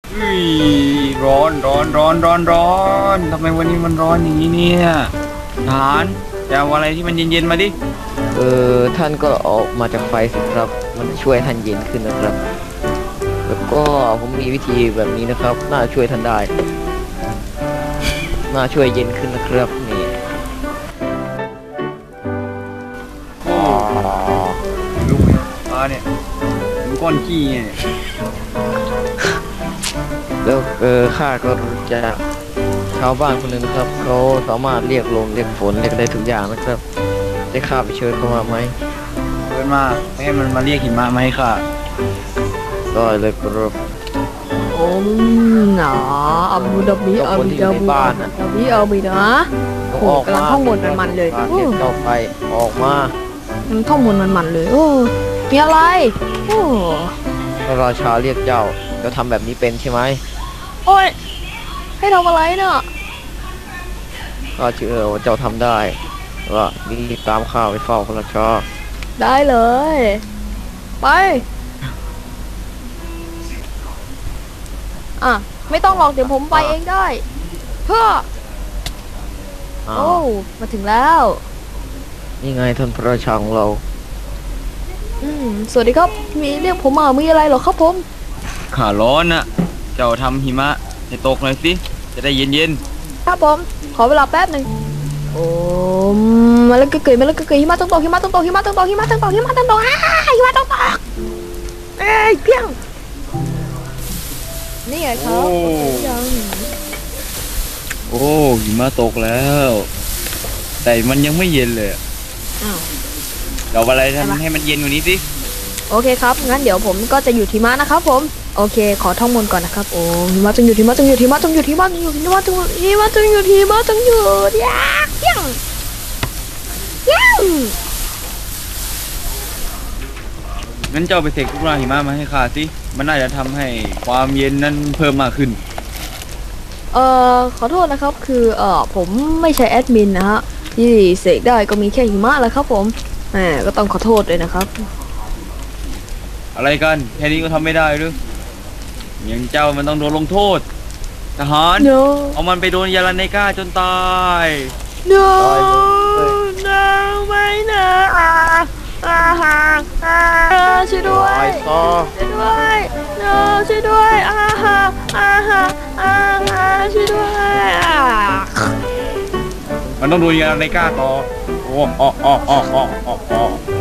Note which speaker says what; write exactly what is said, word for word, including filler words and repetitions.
Speaker 1: อุ้ยร้อนร้อนร้อนร้อนร้อนทำไมวันนี้มันร้อนอย่างนี้เนี่ยทหารจะเอาอะไรที่มันเย็นๆมาดิ
Speaker 2: เออท่านก็ออกมาจากไฟสิครับ มันจะช่วยท่านเย็นขึ้นนะครับ แล้วก็ผมมีวิธีแบบนี้นะครับ น่าช่วยท่านได้ น่าช่วยเย็นขึ้นนะครับนี่
Speaker 1: อ๋อลูกมาเนี่ยดูก้อนขี้เนี่ย
Speaker 2: แล้วเออข้าก็รู้จักชาวบ้านคนหนึ่งนะครับเขาสามารถเรียกลมเรียกฝนเรียกได้ทุกอย่างนะครับได้ข้าไปเชิญเขามาไหม
Speaker 1: เกินมาไม่ให้มันมาเรียกหิมะมาให้ข้า
Speaker 2: ก็เลยครับ
Speaker 3: โอ้หนาอับดุลดาบีอับดุลดาบีอับดุลดาบีอับดุลนะโอ้โหกำลังท่องบนมันๆเลย
Speaker 2: เรียกเจ้าไปออกมา
Speaker 3: มันท่องบนมันๆเลยโอ้มีอะไรโอ้
Speaker 2: พระราชาเรียกเจ้าเจ้าทำแบบนี้เป็นใช่ไหม
Speaker 3: โอ้ยให้ทำอะไรเนาะ
Speaker 2: ข้าเชื่อว่าเจ้าทำได้ว่ารีบตามข้าไปเฝ้าพระราชา
Speaker 3: ได้เลยไปอ่ะไม่ต้องหรอกเดี๋ยวผมไปเองได้เพื่อโอ้มาถึงแล้ว
Speaker 2: นี่ไงท่านพระราชาของเรา
Speaker 3: อืมสวัสดีครับมีเรียกผมมามีอะไรเหรอครับผม
Speaker 1: ข้าร้อนน่ะเจ้าทำหิมะให้ตกหน่อยสิจะได้เย็น
Speaker 3: ๆครับผมขอเวลาแป๊บหนึ่งโอ้มาแล้วก็เกยมาแล้วก็เกยหิมะต้องตกหิมะต้องตกหิมะต้องตกหิมะต้องตกหิมะต้องตกอ่าหิมะต้องตกเอ้ยเพียงนี่ไงครับยัง
Speaker 1: โอ้หิมะตกแล้วแต่มันยังไม่เย็นเลย
Speaker 3: อ้าว
Speaker 1: เราอะไรทำให้มันเย็นกว่านี้สิ
Speaker 3: โอเคครับงั้นเดี๋ยวผมก็จะอยู่ที่ม้านะครับผมโอเคขอท่องมนต์ก่อนนะครับโอ้หิมะต้องอยู่ที่ม้าต้องอยู่ที่ม้าต้องอยู่ที่ม้าต้องอยู่ที่ม้าต้องอยู่ที่ม้าต้องอยู่ที่ม้าต้องอยู่ยากยังยัง
Speaker 1: งั้นเจ้าไปเสกทุกราหิมะมาให้ข้าสิมันน่าจะทำให้ความเย็นนั้นเพิ่มมากขึ้น
Speaker 3: เอ่อขอโทษนะครับคือเอ่อผมไม่ใช่แอดมินนะฮะที่เสกได้ก็มีแค่หิมะแหละครับผมแหมก็ต้องขอโทษด้วยนะครับ
Speaker 1: อะไรกันแค่นี้ก็ทำไม่ได้หรืออย่างเจ้ามันต้องโดนลงโทษทหาร
Speaker 3: no.
Speaker 1: เอามันไปโดนยาลาเนก้าจนตาย
Speaker 3: no no ไม่นะอาอาฮาอาช่วยด้วยช่วยด้วย no ช่วยด้วยอาฮาอาฮาอาฮาช่วยด้วย
Speaker 1: มันต้องโดนยาลาเนก้าต่อโอ้อ๋ออ๋ออ๋ออ๋ออ๋อ